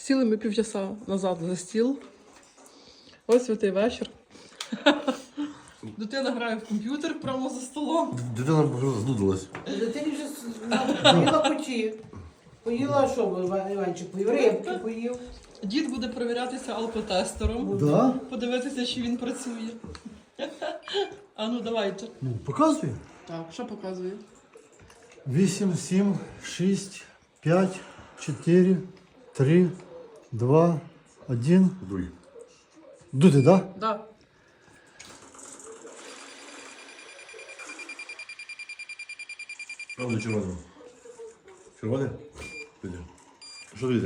Сіли ми півчаса назад за стіл. Ось святий вечір. Дитина грає в комп'ютер прямо за столом. Дитина знудилась. Дитині вже поїла куті. Поїла що, Іванчик, поїв рибки, поїв. Дід буде перевірятися алкотестером. Да? Подивитися, чи він працює. А ну давайте. Ну, показує. Так, що показує? 8, 7, 6, 5, 4, 3, 2, 1. Дуй. Дути, да? Да. Правда, червоне. Червоне? Піде. Що піде?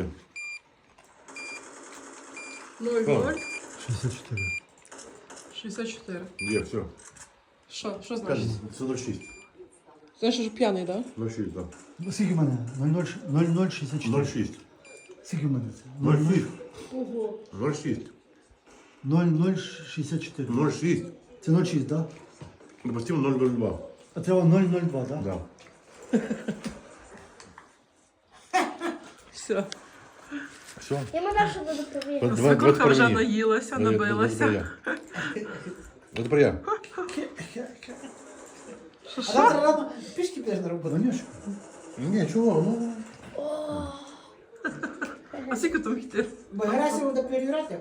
0,0. 64. 64. Є, все. Що значить? Це 0,6. Значить, що п'яний, так? 0,6, так. Скільки в мене? 0064. 0,6. Скільки в мене це? 0,6. Ого. 0,6. 0064. 0,6. Це 06, да? Допустимо 0,02. А треба 002, да? Да. Все. Все. Я дальше буду проверять. Свекруха вже наїлася, набилася. Ну, тепер я. Що, А що? завтра рано пішки підеш на роботу. Ванюшка. Ні, чого? Ну. А скільки там йти? Бо Герасимов буде перевіряти.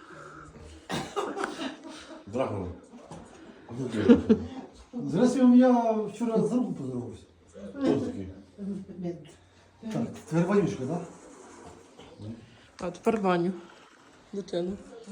Драгова. Здрасте, я вчора з другом поздоровався. Хто такий? Так, тепер Ванюшка, да? А тепер Ваню. Дитину.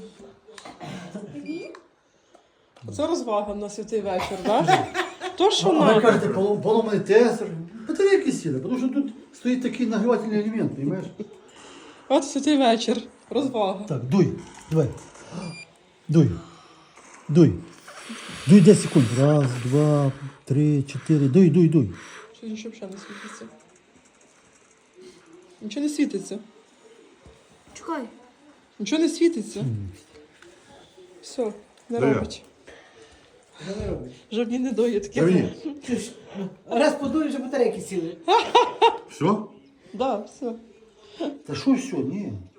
Це розвага на святий вечір, так? То, що А ви надо. кажете, поломаний тесер. Батарейки сіли, тому що тут стоїть такий нагрівательний елемент, розумієш? От святий вечір. Розвага. Так, дуй, давай. Дуй. Дуй. Дуй 10 секунд. Раз, два, три, чотири. Дуй, дуй, дуй. Що нічого взагалі не світиться. Нічого не світиться. Чекай. Нічого не світиться. Все, не Де я? робить. Що не робиш? Жодні недоїдки. Мені. Раз подуєш, вже батарейки сіли. Все? Да, все. Та що все, ні.